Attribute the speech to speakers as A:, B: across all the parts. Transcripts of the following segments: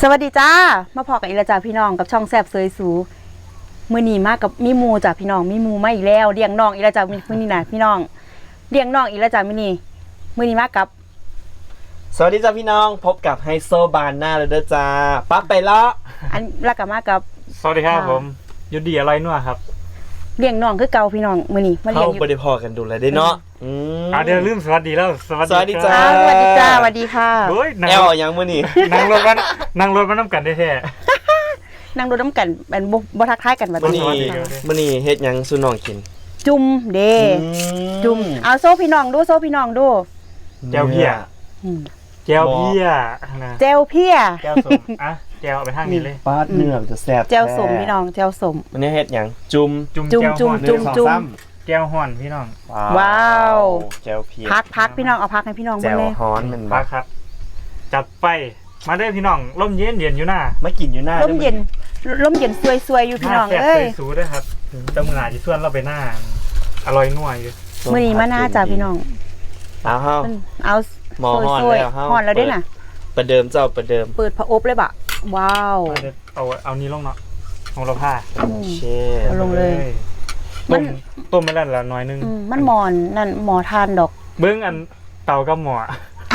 A: สวัสดีจ้ามาพอกันอีกแล้วจ้าพี่น้องกับช่องแซ่บเซยสูมื้อนี้มากับมีมูจ้าพี่น้องมีมูมาอีกแล้วเลี้ยงน้องอีกแล้วจ้ามื้อนี้นะพี่น้องเลี้ยงน้องอีกแล้วจ้ามื้อนี้มากับ
B: สวัสดีจ้าพี่น้องพบกับไฮโซบานหน้าเลยเด้อจ้าปั๊บไปละ
A: อันแล้วก็มากับ
C: สวัสดีครับผมยุดดีอะไรนัวครับ
A: เลี้ยงน้องคือเก่าพี่น้องมื้อนี้มาเลี้ยงอยู่
B: บ่ได้พอกันดูเลยได้เนาะ
C: เดี๋ยวลืมสวัสดีแล้ว
B: สวัสดีจ้า
A: สวัสดีจ้าสวัสดีค่ะ
B: แอลยังมื้อนี้
C: นั่งรถมาน้ำกันได้แท้
A: นั่งรถน้ำกันเป็นบ่ทักทายกันบัด
B: นี้มื้อนี้เฮ็ดหยังสู่น้องกิน
A: จุ่มเด้จุ่มเอาโซ่พี่น้องดูโซ่พี่น้องดู
C: แก้วเพี้ยแก้วเพี้ยนะ
A: แก้วเพี้ย
C: แก้วสมแก้วเอาไปทางนี้เลย
B: ปาดเนื้อจะแซ่บ
A: แก้วสมพี่น้องแก้วสม
B: วันนี้เฮ็ดหยังจุ่ม
C: แก้วฮ้อนพี่น้อง
A: ว้าว
B: แก้วเพี้ย
A: พักพี่น้องเอาพักให้พี่น้อง
B: เบิ่งเลยแก้วฮ้อนมัน
C: พักครับจัดไปมาเด้อพี่น้องร่มเย็นอยู่หน้า
B: มากินอยู่หน้า
A: ร่มเย็นสวยๆอยู่พี่น้อง
C: เอ้ยสูได้ครับเจ้ามือหาที่ส่วนเราไปหน้าอร่อยนัวอยู่
A: มื้อนี้มาหน้าจ้าพี่น้อง
B: เอาหมอฮ้อนแล้ว
A: ฮ้อนแล้วด้วยน่ะ
B: ประเดิมเจ้าประเดิม
A: เปิดพระอบเลยบะว้าว
C: เอานี้ลงเนาะของเราผ้า
B: เช่
A: ลงเลย
C: ต้มไม่ได้ละน้อยนึง
A: มันหมอนนั่นหมอทานดอก
C: เบิ้งอันเต่ากับหมอ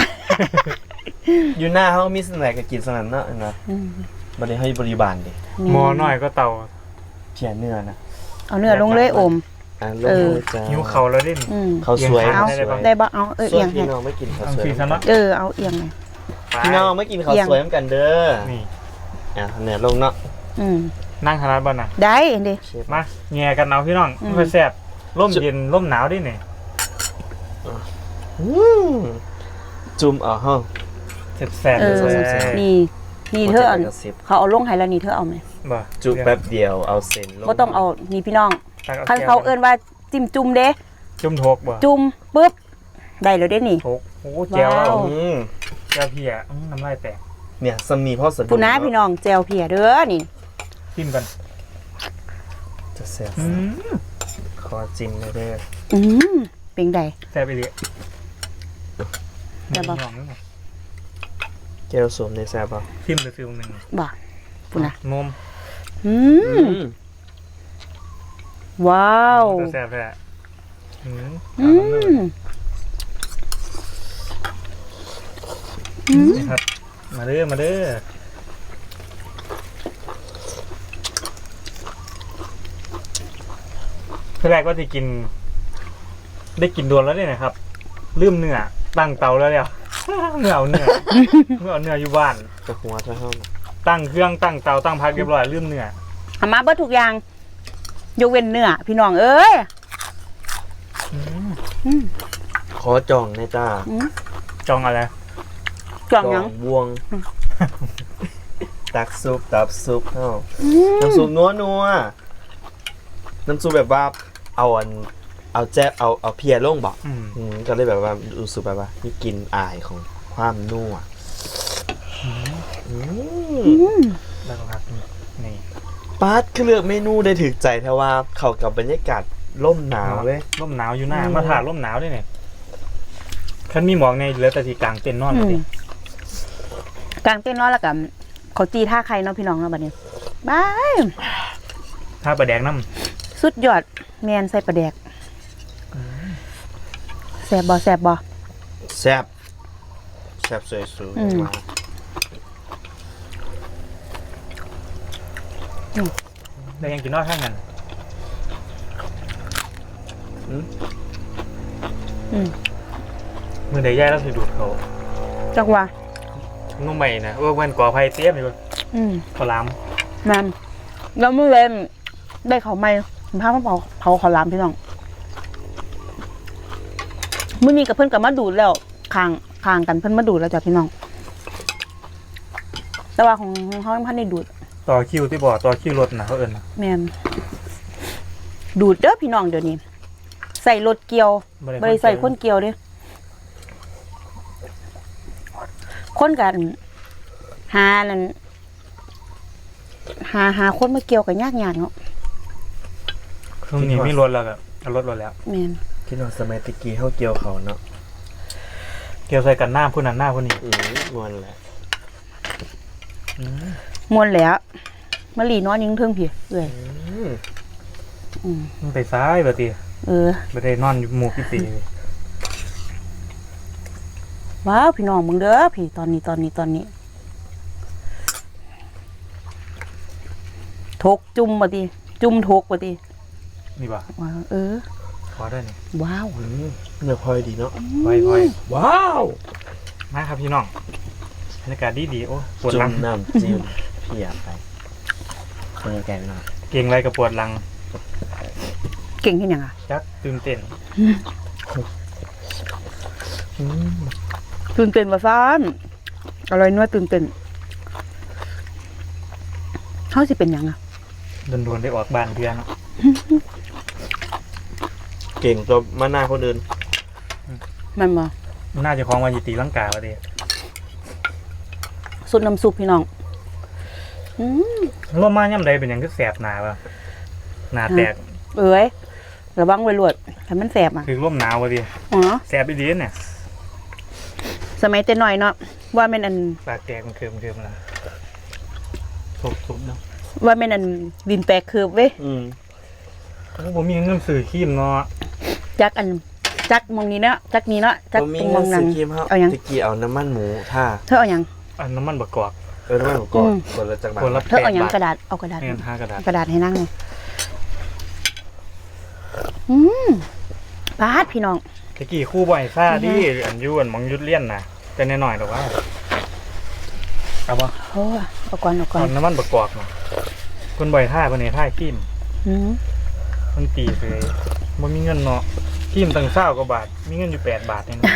B: อยู่หน้าเขามีสแน็คกับกินสนั่นเนาะนะบริให้บริบาลดิ
C: หมอหน่อยก็เต่า
B: เพียเนื้อนะ
A: เอาเนื้อลงเลยอม
C: หิวเขาแล้วดิ
B: เขาสวย
A: ได้บ่เอาเอียง
B: พี่น้องไม่กินเขาสวย
A: เอาเอียงไง
B: พี่น้องไม่กินเขาสวยเหมือนกันเด้อนี่เนื้อลงเนาะ
C: นั่งขนาดบ้านน่ะ
A: ได้ดิ
C: มาแง่กันเอาพี่น้องเพื่อแซ่บร่มเย็นร่มหนาวดิเนี่ย
B: จุ่มห้อง
C: แซ่บ
A: นี่เธอเขาเอาลงให้แล้วนี่เธอเอาไหม
B: จุ่มแป๊บเดียวเอาเส้นลง
A: ก็ต้องเอานี่พี่น้องเขาเอิ้นว่าจิ้มจุ่มเด้
C: จุ่มทกบ่
A: จุ่มปุ๊บได้แล้วเด้นี่
C: ทกโอ้แจ่วแจ่วเพี้ยน้ำลายแตก
B: เนี่ยสมีพ่อสะดุ้ง
A: คุณน้าพี่น้องแจ่วเพี้ยเด้อนี่
C: จิ้มกัน
B: จะแซ่บขอจิ้มเลยเด้อ
A: เป็นไง
C: แซ่บไปเลย
A: แต่บอก
B: แก้วสมในแซ่บป่ะ
C: ทิมเลยฟิลหนึ่ง
A: บ่คุณนะ
C: นม
A: ว้าว
C: แซ่บเลยครับมาเด้อแรกว่าที่กินได้กินดวนแล้วเนี่ยนะครับลืมเนื้อตั้งเตาแล้วเนี่ยเนื้ออยู่บ้าน
B: จะหัวจะห้อง
C: ตั้งเครื่องตั้งเตาตั้งพักเรียบร้อยลืมเนื้อ
A: อามาเบิดทุกอย่างยกเว้นเนื้อพี่น้องเอ้ย
B: ขอจองนะจ้า
C: จองอะไร
A: จองยัง
B: บวงตักซุปตับซุปน้ำซุปนัวน้ำซุปแบบว่าเอาแจ๊บเอาเพียลงบอกก็เลยแบบว่ารู้สึกแบบว่ามีกลิ่นอายของความนัว
C: แล้วครับนี่
B: ป๊าดคือเลือกเมนูได้ถึกใจแท้ว่าเข้ากับบรรยากาศร่มหนาวเลย
C: ร่มหนาวอยู่หน้ามาถ่ายร่มหนาวได้เนี่ยคันมีหมอกในเหลือแต่ที่กลางเต็นท์นอนเลย
A: กลางเต็นท์นอนแล้วกับเขาจีท่าใครเนาะพี่น้องเนาะบัดนี้บาย
C: ท่าปลาแดกน้
A: ำสุดยอดแมนใส่ปลาแดกแซ่บบ่แซ่บ
B: สวยสูงมา
C: แล้วยังกินนอกข้างกันมือใดแย่แล้วสิดูดเขา
A: จังหวะ
C: นุ่มใหม่นะวันก่อไฟเตี้ยมอยู่ขอล้
A: ำนั่นแล้วเมื่อเล่นได้เขาไม่ผ้าเผาขอล้ำพี่น้องมื่อนี้กับเพื่อนกับมาดูดแล้วคางกันเพื่อนมาดูดแล้วจ้ะพี่น้องแต่ว่าของเขาพันได้ดูด
C: ต่อคิวที่บ่อต่อคิวรถนะเขาเอิญนะ
A: แม่นดูดเด้อพี่น้องเดี๋ยวนี้ใส่รถเกียวบริใส่คนเกียวดิคนกันหานั่นหาคนมาเกี่ยวกับยากเนาะ
C: ช่วงนี้ไม่รถแล้วแบบรถแล้ว
A: แม่น
B: คิดว่าสมัยตะกี้เขาเกี่ยวเขาเนาะ
C: เกี่ยวใส่กันหน้าผู้นั้นหน้าผู้นี้
B: งอนแหละ
A: มวนแล้วมะลีนอนยิงเทิงพี่เอ้ย
C: มันไปซ้ายบ่ติ บ่ได้นอนอยู่หมู่พี่ตี
A: ว้าวพี่น้องมึงเด้อพี่ตอนนี้ทกจุ่มบ่ติจุ่มทกบ่ติ
C: นี่บ่
A: ว้าว
C: พอได้นี่
A: ว้าว
B: เนื้อพลอยดีเนาะ
C: พอย
B: ว้าว
C: มาครับพี่น้องบรรยากาศดีโอ้ปวด
B: จุ่
C: หลั
B: ม
C: ง
B: น้ำจิ้มเพียไปคนแกงหน่อย
C: เก่งไรกับปวดหลัง
A: เก่งเฮ็ดหยังอ่ะ
C: จักตื่นเต้น
A: ตื่นเต้นว่าซ่านอร่อยนัวตื่นเต้นเฮาสิเป็นหยังอ่ะ
C: โดนๆได้ออกบ้านเดือนเนาะ
B: เก่งตัวมาหน้าคนอื่น
A: แม่นบ่
C: น่าจะคล้องวันยิตีลังกาบ่ติ
A: สุดน้ำซุปพี่น้อง
C: ลมมาย่ำใดเป็นหยังคือแสบหน้าบ่หน้าแตก
A: เอ้ยระวังไว้รวดให้มันแสบอ่ะ
C: คือลมหนาวบ่ติ
A: อ๋อ
C: แสบอีหลีเนี่ย
A: สมัยแต่น้อยเนาะว่าแม่นอัน
C: ปากแตกมันเคิมๆล่ะทุบๆเนาะ
A: ว่าแม่นอันดินแตกคืบเว้ย
C: โอ้บ่มีเงินซื้อครีมเนาะ
A: จักมองนี้เนาะจักนี้เนาะจัก
B: ผมมี
A: ตรง
B: เงิ
A: มอน งนั้
B: ซื้
A: น
B: อครีมครับ
A: เอาหยัง
B: ตะกี้เอาน้ำมันหมูท่า
A: เธอเอาหยัง
C: อันน้ำมันบักกอก
B: น้ำมันหมูกรอบคนละจักรบาท
C: คนละ
A: เธอเอาหยัง
B: 8
A: กระดาษเอากระดาษ
C: แม่น5กระดาษ
A: กระดาษให้นั่งเลยปาดพี่น้อง
C: ตะกี้ครู่บ่อยซ่าดิอันอยู่อันหมองยุดเลี่ยนน่ะแต่แน่หน่อยดอกว่าเอาบ่
A: โอ้เอาก่อน
C: เอาน้ำมันบักกอกน่ะคนบ่อยท่าเพิ่นให้ท่าครีม
A: อืม
C: มันตีเลยบ่มีเงินเนาะครีมตั้ง20กว่าบาทมีเงินอยู่8 บาทเองเนาะ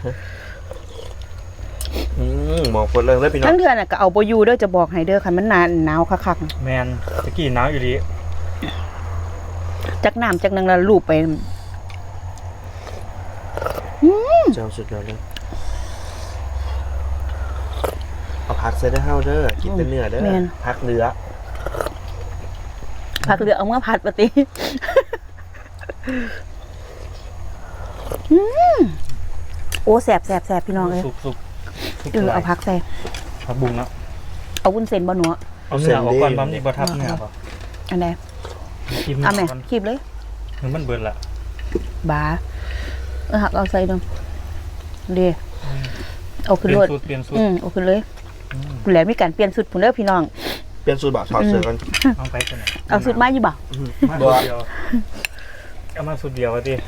B: หมองคนเรื่องเลยพี่น้อ
A: ทั้
B: ง
A: งเดือนน่ะก็เอาบ่อยู่เด้อจะบอกให้เด้อคันมันหนาวคักๆน่ะ
C: แม่นตะกี้หนาวอยู่ดิ
A: จักน้ำจักนังละลูบไป
B: เจ้าสุดยอดเลยเอาพักเซตได้เฮาเด้อกินแต่เนื้อเด้อพักเนื้อ
A: ผักเหลือเอามาผัดปะติโอ้แสบพี่น้องเอ้ย
C: สุก
A: เอาผักใส่
C: ผักบุ้งเนาะ
A: เอาวุ้นเส้นบ่หนู
C: เอาเนื้อออกก่อนบ่มีบ่ทับเนื้อบ่
A: อันใด
C: กิน
A: เอาแม่
C: ก่อน
A: คีบเลย
C: มันเบิดละ
A: บาหักเอาใส่ดงเด้เอา
C: เป
A: ขึ้น
C: ลี่ย
A: ร
C: น
A: ถ
C: สูตรเปลี่ยนสูตร
A: เอาขึ้นเลยคุณแหลมมีการเปลี่ยนสุดพุ่นเด้อพี่น้อง
B: เปลี่ยนสูตรบ่ถอดเสื้อกัน
C: เอาไปกันไหน
A: เอาสุดมาอยู่บ่
C: มาสูตรเดียวเอามาสูตรเดียวว่าติ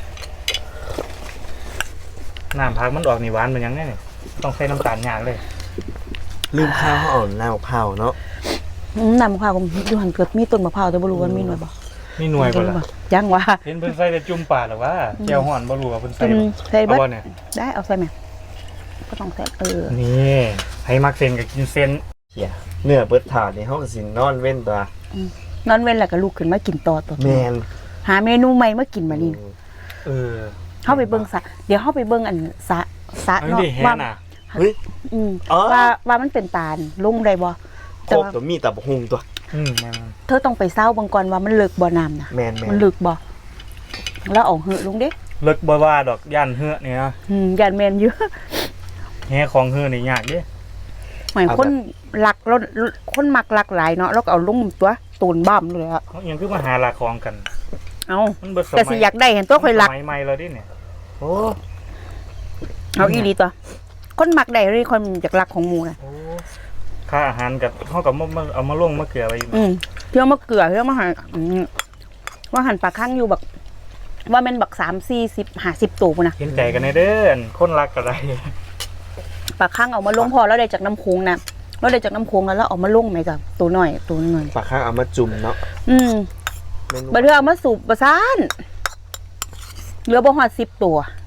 C: น้ำผักมันออกนี่หวานมันยังไงเนี่ยต้องใส่น้ำตาลยากเลย
B: ลืมข้าวเขาเอาหน้ามะพร้าวเนาะ
A: น้ำมะพร้าวก็อยู่หันเกิดมีต้นมะพร้าวแต่บ่รู้ว่ามีหน่วยบ่
C: มีหน่วยบ่ล่ะ
A: ยังว่า
C: เห็นเพิ่นใส่แต่จุ่มปลาหรือว่าแก้วห่อนบ่รู้ว่าเพิ่นใส่
A: ใส่
C: เอา
A: เบิด
C: บ่เนี่ย
A: ได้เอาใส่ไหมก็ต้องใส่
C: นี่ให้มักเส้นก็กินเส้น
B: เหี้ยเนื้อเบิดถาดนี่เฮาก็สินอนเว้นตัวน
A: อนเว้นแล้วก็ลุกขึ้นมากินต่อ
B: แม่น
A: หาเมนูใหม่มากินมานี่
C: เออ
A: เข้าไปเบิ่งสระเดี๋ยวเข้าไปเบิ่งอันสระ
C: อัน
A: เนาะ
C: นี้แฮ
A: ว่า
C: น่ะ
B: เฮ้ย
A: อืม
B: อ๋อ
A: ว่ามันเป็นตาลลงได้บ่
B: ค
A: แต่
B: รบ
A: ว่า
B: ตัวมีแต่บกฮุงตัว
C: แม่น
A: เธอต้องไปเศร้าบางก่อนว่ามันเลิกบ่น้ำนะ
B: แม่น
A: มันเลิกบ่แล้วเอาเหอะลงเด้
C: เลิกบ่ว่าดอกย่านเฮือนี่นะ
A: ยันแมนเยอะ
C: แฮของเฮือนี่ยากเด้
A: หมายคนหลักรถคนมักหลักหลายเนาะแล้วก็เอาลงตัวตูนบ้ามเลยอะ
C: เขายังคือมาหาหลักของกัน
A: เอา
C: มันเบิดสมัย
A: แต่สิอยากได้เห็นตัวค่อยหลัก
C: สมัยใหม่แล้วดิเนี่ย
B: โอ้
A: เอาอีหลีตัว คนมักได้เลยคนอยากหลักของหมู่น่ะ
C: โอ้ค่าอาหารกับเฮากับมาเอามาลงมาเกลือไว้
A: เที่ยวมาเกลือเที่ยวมาหาว่าหันปลาข้างอยู่บักว่าแม่นบัก30-50ตัวพุ่นน่ะ
C: เห็นใจกันในเด้อคนรักก็ได้
A: ปลาข้างเอามาลงพอแล้วได้จากน้ำโค้งนะแล้วได้จากน้ำโค้งแล้วเอามาลงไหมกับตัวหน่อย
B: ปลาข้างเอามาจุ่มเนาะเมนู
A: บัดเทื่อเอามาสูบประสานเหลือบ่ฮอด10 ตัว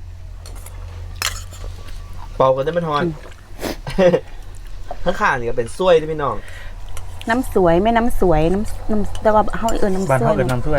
B: เป่ากันได้ไม่ทอนข้างๆนี่ก็เป็นซ้วยด้วยพี่น้อง
A: น้ำสวยไม่น้ำสวยน้ำแต่ว่าเฮาน้ำ
C: บ้าน
A: สว
C: เฮาย เอิ้นน้ำถ้วย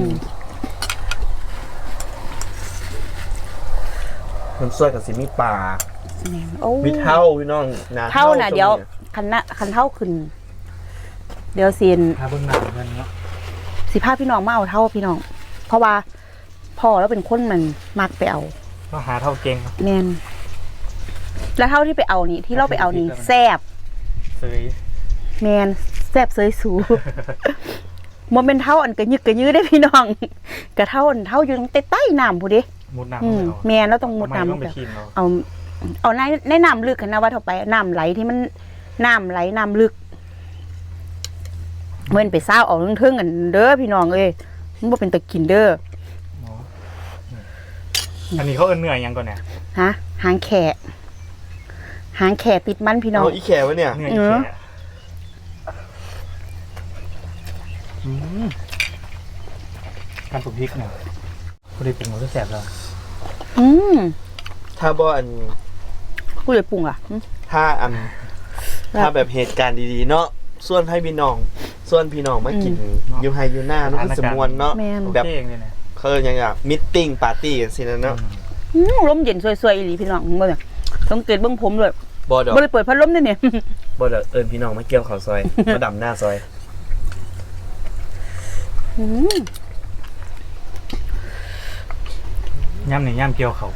B: น้ำซ้วยกับสิมีปลา
A: โอ้
B: มีเท่าพี่น้องนะ
A: เท่าน่ะเดี๋ยวคันเท่าขึ้น เดี๋ยวสิ
C: หาเบิ่งน้ำเงินเนาะ
A: สิพาพี่น้องมาเอาเท่าพี่น้อง เพราะว่าพ่อแล้วเป็นคนมันมักไปเอา
C: ก็หาเท่าเก่ง
A: แน่นแล้วเท่าที่ไปเอานี่ที่เราไปเอานี่แซ่บ
C: เสย
A: แมนแซ่บเสยสู บ่แม่นเท่าอันกระยึกกระยื้อได้พี่น้องกระเท่าอันเท่าอยู่ตรงใต้น้ำผู้เด้
C: มุดน้ำเลยเอา
A: แมนแล้วต้องมุด
C: ทำไม
A: น้ำ
C: ต้องไปชิมเรา
A: เอาในน้ำลึกกันนะว่าเท่าไปน้ำไหลที่มันน้ำไหลน้ำลึกเมื่อนไปซ่าวเอาเทิงๆกันเด้อพี่น้องเอ้ยมันบ่เป็นตะกินเด้อ
C: อันนี้เขาเอิ้นเนื้อยังก่อนเนี่ย
A: ฮะหางแขะหางแขะติดมันพี่น้อง
B: เอาอีแขวะเนี่ย
C: เนื้ออีแค่การปรุงพริกเนี่ยพอดีเป็นหมูที่แสบแล้ว
A: อืม
B: ถ้าบ่อัน
A: กูเลยปรุงอ่ะ
B: ถ้าอัน ถ้าแบบเหตุการณ์ดีๆเนาะส่วนให้พี่น้องส่วนพี่น้องมากินอยู่ไฮอยู่หน้าเนาะคือสมวนเนาะ
A: แม่น
B: แบบ
C: เองเลยเนี่ย
B: เขาเรียกยังไงมิทติ้งปาร์ตี้กันสินะเนาะ
A: ลมเย็นสวยๆอีหลีพี่น้องเบิ่งอะสังเกตเบิ่งผมเลย
B: บ่ดอก
A: บ่ได้เปิดพัดลมด้วยเนี่ย
B: บ่ดอกเอิญพี่น้องมาเกี่ยวข้าวซอย มาดำหน้าซอย
A: อืม
C: ย่ำเนี่ยย่ำเกี่ยวเขา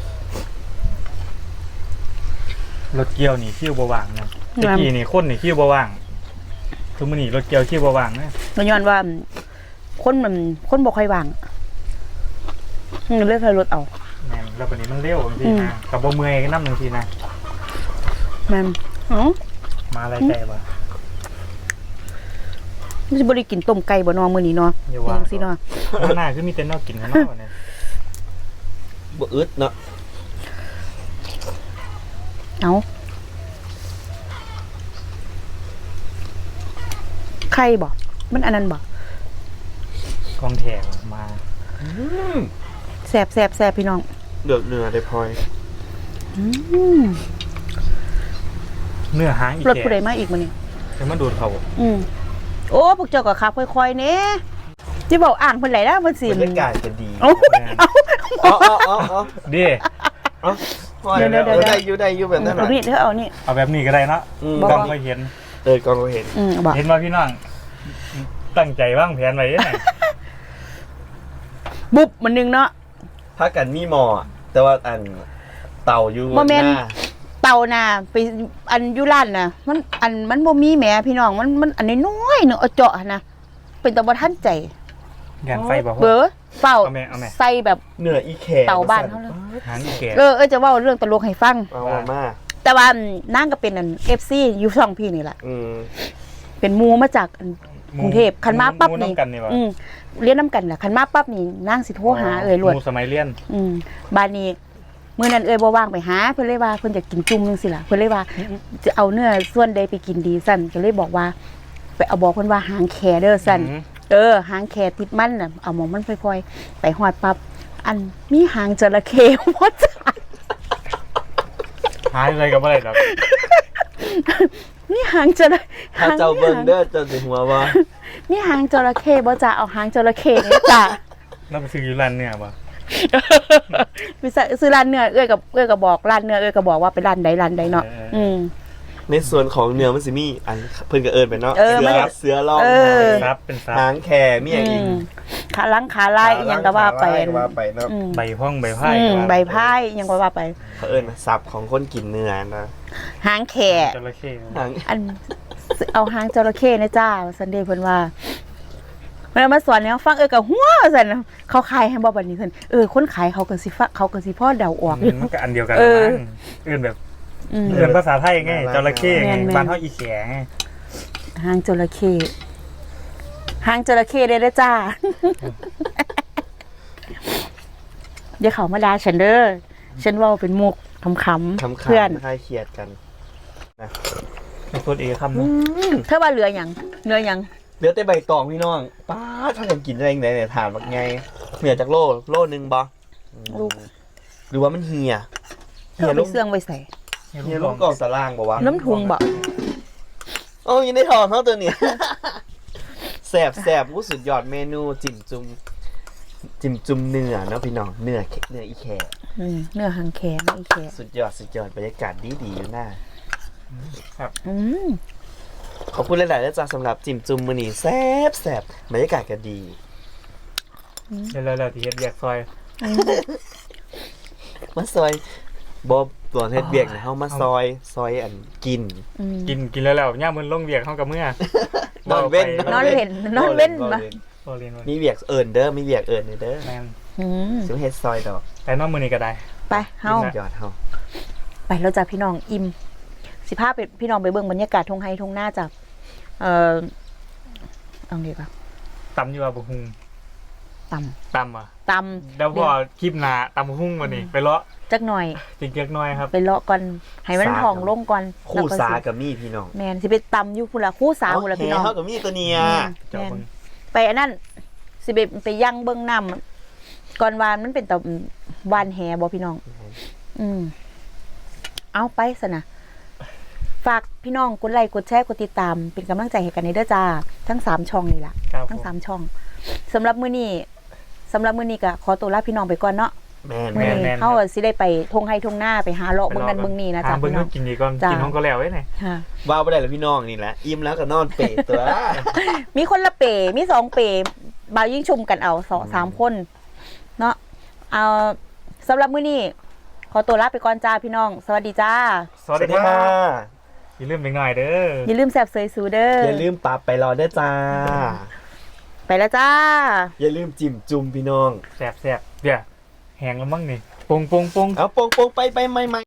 C: รถเกี่ยวนี่คิ้วบว่างนะตะกี้นี่คนนี่คิ้วบว่างทุกมื้อนี่รถเกี่ยวคิ้วบว่างนะ
A: มันย้อนว่าคนบ่ค่อยว่างเลือกใครรถเอา
C: แม่นแล้วบัดนี้มันเร็วบางทีนะกับบ่เมื่อยก็นำบางทีนะ
A: แม่นอ๋อ
C: มาอะไรไกลบ่
A: มันสิบ่ได้กินต้มไก่บ่เนอมื้อนี้เนาะ
C: อย่าว่า
A: จังซี่เนาะ
C: หน้าคือมีแต่นอกกินข้างนอกเนี่ย
B: บ่อึดเนาะ
A: เอาไข่บ่มันอันนั้นบ่
C: กองแถวมา
A: แซ่บพี่น้อง
B: เดือดเนื้อได้พลอย
A: อืม
C: เนื้อหางอีก
A: รถ
C: แก่
A: ผู้ใดมาอีกมื้อนี้
C: จะมาดูดเขา
A: โอ้พวกเจ้าก็ขับค่อยๆแหน่ที่เว้าอ่างเพิ่นไหลแล้วเพิ่นสิ
B: บรรยากาศจะดี
A: เอ้า
B: เอา
C: ดิ
B: พลอยได้อยู่แบบนั้น
A: เอานี่เด้อเอานี่
C: เอาแบบนี้ก็ได้เนาะ
A: บ่
C: กล้องก็เห็น
B: กองก็เห็น
A: บ่
C: เห็นว่าพี่น้องตั้งใจวางแผนไว้ยังไง
A: บุบมันนึงเนาะ
B: พักกันมีหมอแต่ว่าอันเต่าอยู่
A: บ่แม่น
B: หน้า
A: เตาน่ะไปอันอยู่ร้านน่ะมันบ่มีแหมพี่น้องมันอันน้อยๆนึงเอาเจาะหั่นนะเป็นตาบ่ทันใจ
C: งานไฟบอก
A: เบอเฝ้า
C: เอาแม่
A: ใส่แบบ
B: เนื้ออีแข
A: เตาบ้านเขาเลย
C: หางอีแก่
A: จะเว้าเรื่องตลกให้ฟัง
B: เอามา
A: แต่ว่านางก็เป็นอัน FC อยู่ช่องพี่นี่แหละ
B: อืม
A: เป็นหมูมาจากอันกรุงเทพคันมาปั๊บนี่
C: หกันนี่วะ
A: เรียนน้ำกันแหละคันมาปั๊บนี่นางสิโทรหาเอ่ยรวด
C: หมูสมัยเรียน
A: บ้านนี้มื้อนั้นเอ่ยบ่ว่างไปหาเพิ่นเลยว่าเพิ่นอยากกินจุ่มจังซี่ล่ะเพิ่นเลยว่าจะเอาเนื้อส่วนใดไปกินดีสั่นก็เลยบอกว่าไปเอาบอกเพิ่นว่าหางแคเด้อสั่นหางแคติดมันน่ะเอาหมองมันค่อยๆไปฮอดปั๊บอันมีหางจระเข้บ่จ้า
C: หายอะไรกับอะไรหรอก
A: มีหางจระ
B: ถ้าเจ้าเบิ่งเด้อเจ้าสิหัวว่า
A: มีหางจระเข้บ่จ้าเอาหางจระเข้นี่จ้า
C: แล้วไปซื้ออยู่ร้านเนี่ยปะ
A: ไปซื้อร้านเนื้อเอ้ยกับบอกร้านเนื้อเอ้ยก็บอกว่าเป็นร้านใดเนาะ
B: ในส่วนของเนื้อมันสิมีอันเพิ่นก็เอิ้นไปเนาะเสือร้อง
C: ซับเป็นซับ
B: หางแขมีอย่างอีก
A: ขาลังขาลายอีหยังก็ว่าไป
B: ว่าไปเนาะ
C: ใบห้องใบไพ่
A: ใบพายอีหยังก็ว่าไป
B: เขาเอิ้นศัพท์ของคนกินเนื้อนะ
A: หางแข
C: จระเข้
B: หาง
A: อันเอาหางจระเข้นะจ้าซันเดย์เพิ่นว่าเวลามาสอนแนวฟังก็หัวซั่นเขาขายให้บ่บัดนี้เพิ่นคนขายเขาก็สิฟังเขาก็สิพอเดาออกอยู่
C: มันก็อันเดียวกันมั้งเอื่นแบบเอื่นภาษาไทยไงจระเข้ไงบ้านเขาอีแขไง
A: หางจระเข้หางจระเข้ได้จ้าอย่าเขามาด่าฉันเด้อฉันเว้าเป็นมุกขำๆเพื่อน
B: คลายเครียดกัน
C: เป็นคนเอกคำนึง
A: เธอว่าเหลือหยังเหลือหยัง
B: เหลือแต่ใบตองพี่น้องป้าถ้ากันกินได้ยังไงเนี่ยถามว่าไงเหนือจากโลนึงบ่หรือว่ามันเหี่ย
A: เธอเอาไปเสื่องไว้ใส่
B: เหี่ยลูกกองสลางบ่วะ
A: น้ำทุงบ่
B: โอ้ยในทองเท่าตัวเนี้ยแสบวู้สุดยอดเมนูจิ้มจุ่มเนื้อเนาะพี่น้องเนื้ออีแข
A: เนื้อหางแขนอีแข
B: สุดยอดบรรยากาศดีอยู่หน้า ขอบคุณหลายๆนะจ๊ะสำหรับจิ้มจุ่มมื้อนี้แซ่บบรรยากาศก็ดี
C: เร็วๆที่เฮ็ดแยกซอย
B: มาซอยบ่ตัวเฮ็ดเวียกเนี่ยเฮามาซอยอันกิน
A: อืม
C: กินแล้วย่ามมันลงเวียกเข้ากับเมื่อน
B: อนเว้น
A: นอนเล่นนอนเว้นมา
C: โอเรียนว่า
B: มีเวียกเอิ้นเด้อมีเวียกเอิ้นเด้อ
C: แม่น
A: อืม
B: สิเฮ็ดซอยดอก
C: แต่นอกมือนี้ก็ได้
A: ไปเฮา
B: ยอดเฮา
A: ไปเราจะพี่น้องอิ่มสิพาไปพี่น้องไปเบิ่งบรรยากาศทุ่งไฮทุ่งหน้าจากเอาดีกว่า
C: ตำอยู่ว่าบุหุง
A: ต
C: ตำอ่ะ
A: ำต
C: แล้วพอคลิปหนาตำบุหุงวันนี้ไปเลาะ
A: ำจักหน่อย
C: จิกเกียกน้อยครับ
A: ไปเลาะก่อนให้มันทองลงก่อน
B: คู่สา
A: แล้วก็
B: กับมีพี่น้อง
A: แมนสิไปตำอยู่พุ่นละคู่สาวพุ่นละพี่น้อง
B: เฮากับมีตัวเนี้ย
C: เจ้าเบิ่ง
A: ไปอันนั้นสิไปย่างเบิ่งน้ำก่อนวานมันเป็นแต่วานแหบ่พี่น้อง อืมเอาไปซะนะฝากพี่น้องกดไลค์กดแชร์กดติดตาม เป็นกำลังใจให้กันในเด้อจ้าทั้ง3ช่องนี่ล่ะ
C: ครับ
A: ทั้ง
C: ผม
A: 3ช่องสำหรับมื้อนี้ก็ขอตัวลาพี่น้องไปก่อนเนาะ
B: แม่น
A: มื้อ
B: แม่น
A: นี้เฮาสิได้ไปทงไห้ทงหน้าไปหาเลาะเบิ่งนั่นเบิ่งนี่นะ
C: หา
A: จ๊ะ
C: เบิ่ง
A: พี่น้
C: ก็
A: อง
C: กินดีก่อน
A: จ้ากิ
C: กินห้องก็แล้วไว้ไหน
A: ค่ะ
B: ว่าบ่ได้แล้วพี่น้องนี่แหละอิ่มแล้วก็นอนเปรตัว
A: มีคนละเป๋มี2เป๋บ่าวยิ่งชุมกันเอา2-3คนเนาะเอาสำหรับมื้อนี้ขอตัวลาไปก่อนจ้าพี่น้อง สวัสดีจ้า
C: สวัสดีครับอย่าลืมเด็กหน่อยเด้อ
A: อย่าลืมแซ่บเสยสูเด้อ
B: อย่าลืมปรับไปรอเด้อจ้า
A: ไปแล้วจ้า
B: อย่าลืมจิ้มจุ่มพี่น้อง
C: แซ่บเดี๋ยวแหงแล้วมั้งนี่ปง
B: เอาโปงๆไปใหม่ๆ